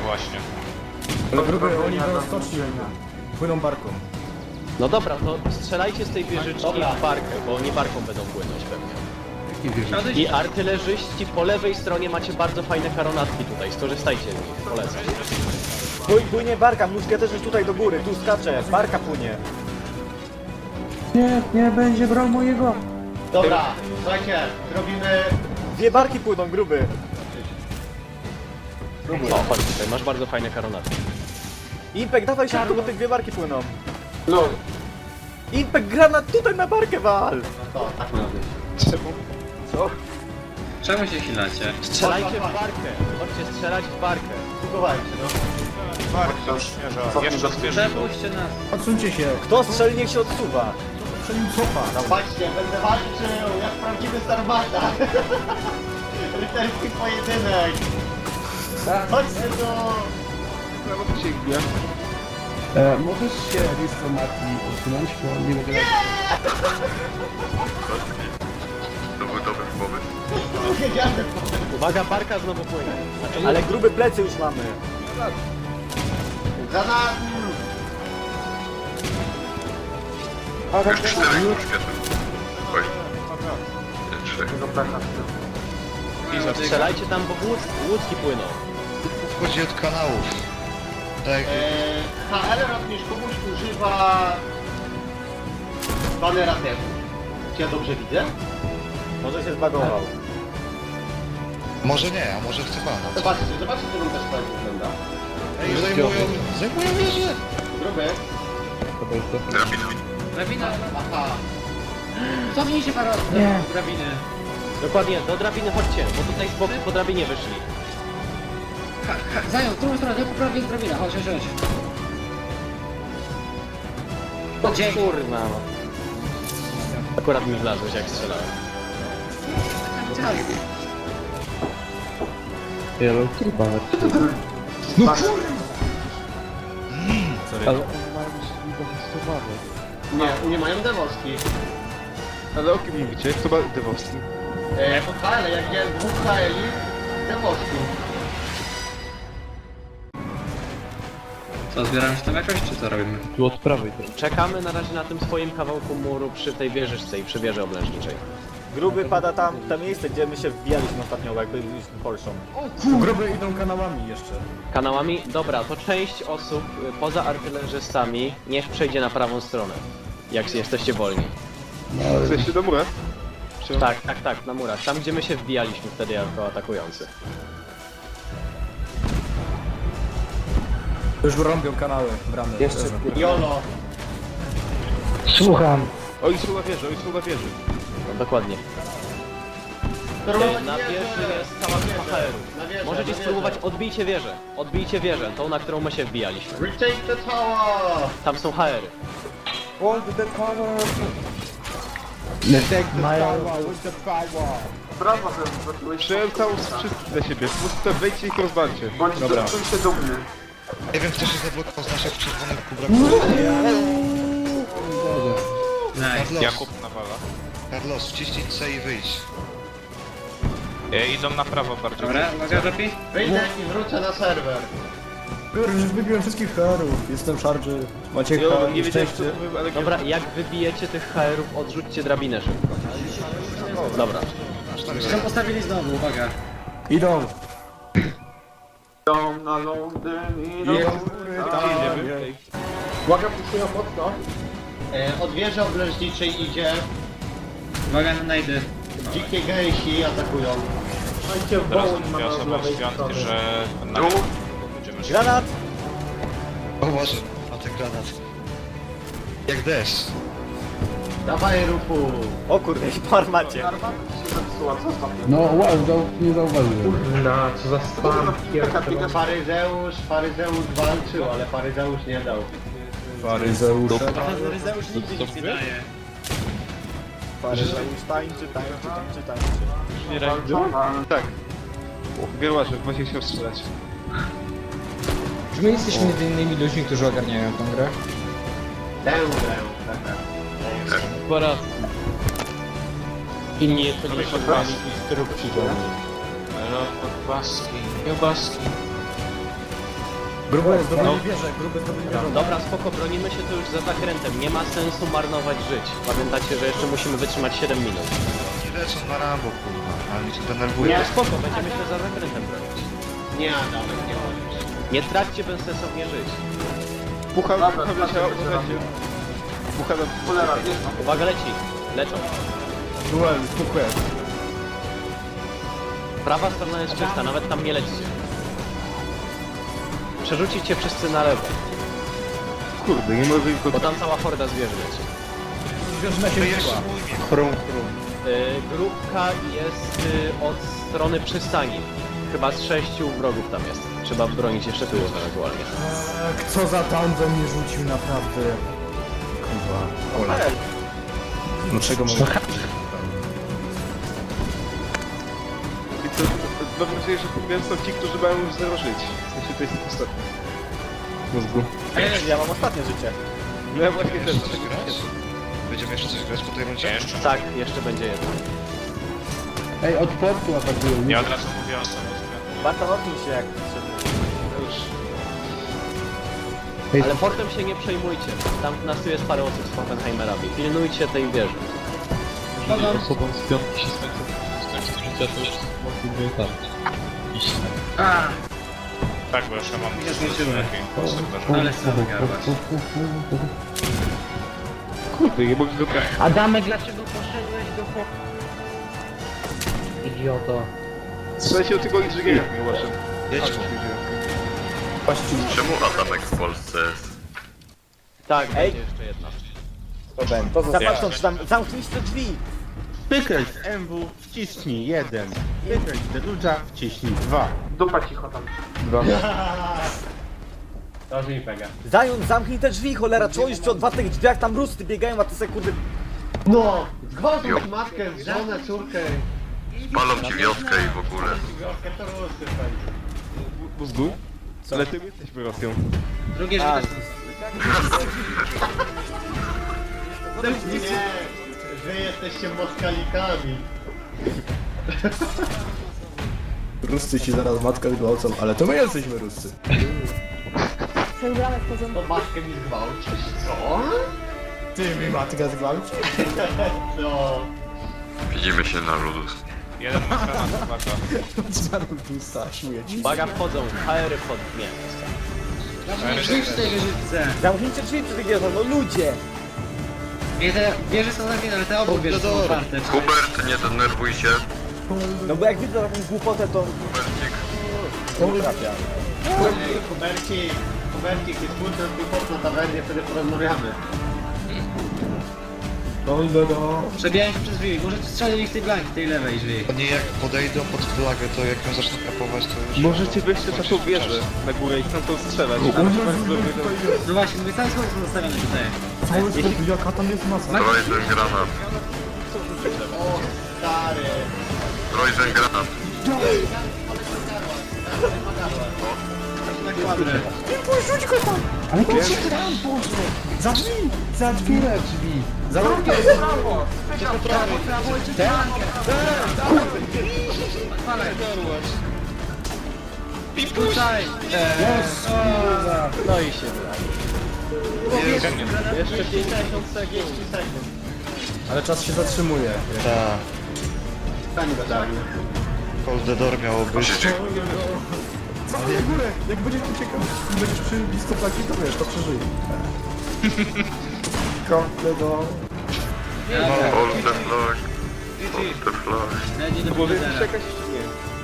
właśnie. Ale gruby, oni do stoczni płyną barką. No dobra, to strzelajcie z tej wieżyczki w barkę, bo oni barką będą płynąć pewnie. I artylerzyści po lewej stronie macie bardzo fajne karonatki tutaj, skorzystajcie z nich, polecam. Płynie barka, muszkieterz jest tutaj do góry, tu skacze, barka płynie. Nie, nie będzie brał mojego. Dobra, słuchajcie, zrobimy... Dwie barki płyną, gruby. O, chodź tutaj, masz bardzo fajne karonatki. Impek, dawaj szybko, bo te dwie barki płyną. No, Impek, granat tutaj na barkę wal! to tak robię. Co? Czemu się chilacie? Strzelajcie w barkę, chodźcie strzelać w barkę. Spróbowajcie, no. Bardzo świeża, jeszcze świeża. Przepuśćcie nas. Odsuńcie się. Kto strzeli, niech się odsuwa. Przed nim cofa. No patrzcie, będę walczył jak prawdziwy Starbata. Rycerski pojedynek. Chodźcie tu. Możesz się Risto Mati odsunąć, bo nie mogę... Jedziemy. Uwaga, barka znowu płynie. Znaczy, Ale gruby plecy już mamy. Za nami. Już 4 już świetnie. Oj. 3. strzelajcie tam, bo łódki płyną. Chodzi od kanałów. Tak. HL również komuś używa banera temu. Czy ja dobrze widzę? Może się zbagował. Może nie, a może chce pana. Zobaczcie, to nam też tak wygląda. Ej, zajmują wieżę! Gruby. Drabina. Aha. Cofnij się parę drabiny. Dokładnie, do drabiny chodźcie, bo tutaj z boku po drabinie wyszli. Zajął, w drugą stronę, po prawej jest drabina. Chodź, chodź, chodź. O kurna. Akurat mi wlazłeś jak strzelałem. Nie mają dewoski. Ale o kim mówicie? Kto ma dewowski? Pod HL, jak widziałem dwóch HL-i, dewoski. Co, zbieramy się tam jakoś, czy co robimy? Czekamy na razie na tym swoim kawałku muru przy tej wieżyczce i przy wieży oblężniczej. Gruby pada tam, to miejsce, gdzie my się wbijaliśmy ostatnio, jakby byliśmy Polszą. Gruby idą kanałami jeszcze. Kanałami? Dobra, to część osób poza artylerzystami niech przejdzie na prawą stronę. Jak jesteście wolni. Chcesz się do mura? Tak, na murach. Tam gdzie my się wbijaliśmy wtedy jako atakujący. Już rąbią kanały, bramy. Jeszcze. Jolo. Oni są na wieży, oni są na wieży. No, dokładnie. Na wieży jest cała grupa HR-ów. Na wieżę, Możecie na spróbować, wieżę. odbijcie wieżę, tą na którą my się wbijaliśmy. Retake the tower! Tam są HR-y. Przyjąłem całą wszystkich na siebie. Po prostu tam wejdźcie i ich rozwalcie. Dobra. Nie wiem, kto się zablokował z naszych czerwonych kubraków. Carlos, Jakub nawala. Carlos, wciśnij C i wyjdź. Idą na prawo bardziej. Dobra, uwaga, lepiej. Wyjdę i wrócę na serwer. Już wybiłem wszystkich herów, jestem szarży. Macie Ja her, nie wiedziałem, szczęście. co to był, ale... Dobra, jak wybijecie tych HR-ów, odrzućcie drabinę szybko. Dobra. Są postawili znowu, uwaga. Idą. Uwaga, puszują mocno. Od wieży oblężniczej idzie. Uwaga na najdy. Dzikie gejsi atakują. Teraz mówię osobom z piątki, że na będziemy szli. Granat! O Boże, a ten granat. Jak deszcz. Dawaj ruchu. O kurde, i po armacie. No wow, nie zauważyłem. Faryzeusz walczył, ale Faryzeusz nie dał. Faryzeusze. Ryzeusz nigdy nic nie daje. Faryzeusz tańczy. Tak. Wierłażek, właśnie chciał strzelać. Czy my jesteśmy jedynymi ludźmi, którzy ogarniają tą grę? Tę Po raz. I nie, to nie szukali instrukcji do mnie. No, kiełbaski. Grube zdobyli wieżę, grube zdobyli wieżę. Dobra, spoko, bronimy się tu już za zakrętem. Nie ma sensu marnować żyć. Pamiętacie, że jeszcze musimy wytrzymać 7 minut. Nie lecą na Rambo, kurwa. Ale mnie to denerwuje. Nie, spoko, będziemy się za zakrętem bronić. Nie, Adamek, nie możesz. Nie traćcie bezsensownie żyć. Pucha Dobra, wleciała, dobra, uważajcie. Pucha na... Cholera, wiesz, no. Uwaga, leci. Leczą. Duel, super. Prawa strona jest czysta, nawet tam nie lećcie. Przerzucić się wszyscy na lewo, Kurde, nie może ich bo tam cała horda zwierzy leci. Zwierzyna się wzięła. Grupka jest od strony przystani. Chyba z 6 wrogów tam jest. Trzeba bronić jeszcze tyłu ewentualnie. Co za down mnie rzucił, naprawdę. Kurwa. Ola. No czego mogę? I co, mam nadzieję, że podbieram są ci, którzy mają już 0 żyć. W sensie to jest ostatni. Mózgu. Ja mam ostatnie życie. No ja właśnie też. Coś grać? Będziemy jeszcze coś grać po tej rundzie? Jeszcze. Tak, jeszcze będzie jedno. Ej, od portu atakują. Ja od razu mówię o samym Warto odbić się jak Ale portem się nie przejmujcie. Tam nas tu jest parę osób z Oppenheimerami. Pilnujcie tej wieży. Osobom z piątki się skończy życia, to już mogli wytarczyć. Iść Tak, bo jeszcze mam Nie zdążyłem. lepiej. Ale sam garwać. Kurde, nie mogę go brać. Adamek, dlaczego poszedłeś do Idioto. Słuchajcie o tego inżyniera nie uważam. Jedź mu. Czemu Adamek w Polsce jest? Tak, Ej. będzie jeszcze jedna. To zapatrząc tam, zamknijcie te drzwi. Wykręć MW, wciśnij 1. Wykręć Deluja, wciśnij 2. Dupa cicho tam. To mi pega. Zając, zamknij te drzwi, cholera, czołisz przy otwartych drzwiach, tam rusty biegają, a ty sekundy... No! Zgwałtuj matkę, żonę, córkę. Palą ci wioskę i w ogóle. Wioskę to rusy pewnie. Mózgu? Ale ty jesteśmy Rosją. Drugie A, życie. Nie, wy jesteście moskalikami. Ruscy ci zaraz matkę zgwałcą, ale to my jesteśmy Ruscy. To matkę mi zgwałcisz, co? Ty mi matkę zgwałci? No. Widzimy się na Ludus. Jeden ma granat, uwaga. Zmarł Rusa, śmieję ci. Uwaga, wchodzą. HR pod... Nie. Drzwi w tej wieżyce. zamknijcie drzwi przy tych wieżach, no ludzie! Nie, te wieże są zamknięte, ale te obok wieże są otwarte. Hubert, nie denerwuj się. No bo jak widzę taką głupotę, to... Hubercik. To trafia. Kubercik jest kurczę, wychodź na tawernie, wtedy porozmawiamy. Przebijają się przez drzwi, możecie strzelić w tej blanki, tej lewej drzwi. Oni jak podejdą pod flagę, to jak ją zaczną kapować, to już... Możecie wejść też na tą wieżę na górę i tam to strzelać. No właśnie, mówię, cały skład są zostawiony tutaj. Jaka tam jest masa? Trojzen granat. O, stary. Trojzen granat. Na kwadrę. Ale gdzie tam, Boże? Za drzwi! Za drzwi! Które drzwi? Za drzwi! Tutaj! No i się brali. Jeszcze 50 sekund. Ale czas się zatrzymuje. Ta. Stań badanie. Cold the door miało być. Cofnij górę! Jak będziesz uciekał i będziesz przy blisko flagi, to wiesz, to przeżyje. Kompletno. Hold the flag. Hold the flag. Leci do Bo Pizera. jakaś... Nie.